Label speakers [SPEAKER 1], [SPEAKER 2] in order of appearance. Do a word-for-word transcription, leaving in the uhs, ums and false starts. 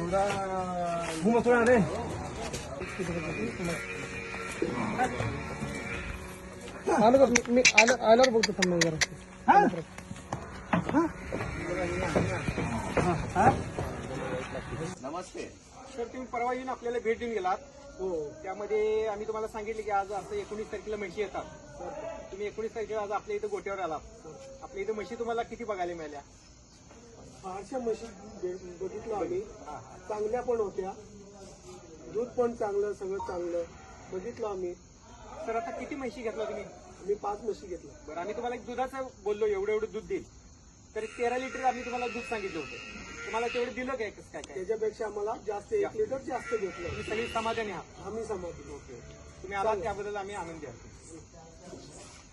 [SPEAKER 1] घुमा थोडा रे आलं का मी- मी आलं आल्यावर बघतो थांब मी जरा
[SPEAKER 2] नमस्ते सर, तुम्ही परवा येऊन आपल्याला भेट देऊन गेलात. हो, त्यामध्ये आम्ही तुम्हाला सांगितले की आज असं एकोणीस तारखेला म्हशी येतात. तुम्ही एकोणीस तारखेला आज आपल्या इथं गोट्यावर आलात. आपल्या इथं म्हशी तुम्हाला किती बघायला मिळाल्या?
[SPEAKER 3] फारशा म्हशी बघितलं आम्ही, चांगल्या पण होत्या, दूध पण चांगलं, सगळं चांगलं बघितलं आम्ही.
[SPEAKER 2] सर, आता किती म्हशी घेतला तुम्ही?
[SPEAKER 3] आम्ही पाच म्हशी घेतल्या.
[SPEAKER 2] बरं, आम्ही तुम्हाला एक दुधाचं बोललो, एवढं एवढं दूध देईल. तर तेरा लिटर आम्ही तुम्हाला दूध सांगितलं होतं. तुम्हाला तेवढं दिलं काय? कसं काय काय
[SPEAKER 3] त्याच्यापेक्षा आम्हाला जास्त एक लिटर जास्त घेतलं.
[SPEAKER 2] तुम्ही सगळी समाधानी आहात?
[SPEAKER 3] आम्ही समाधी.
[SPEAKER 2] ओके, तुम्ही आलात त्याबद्दल आम्ही आनंदी आहोत.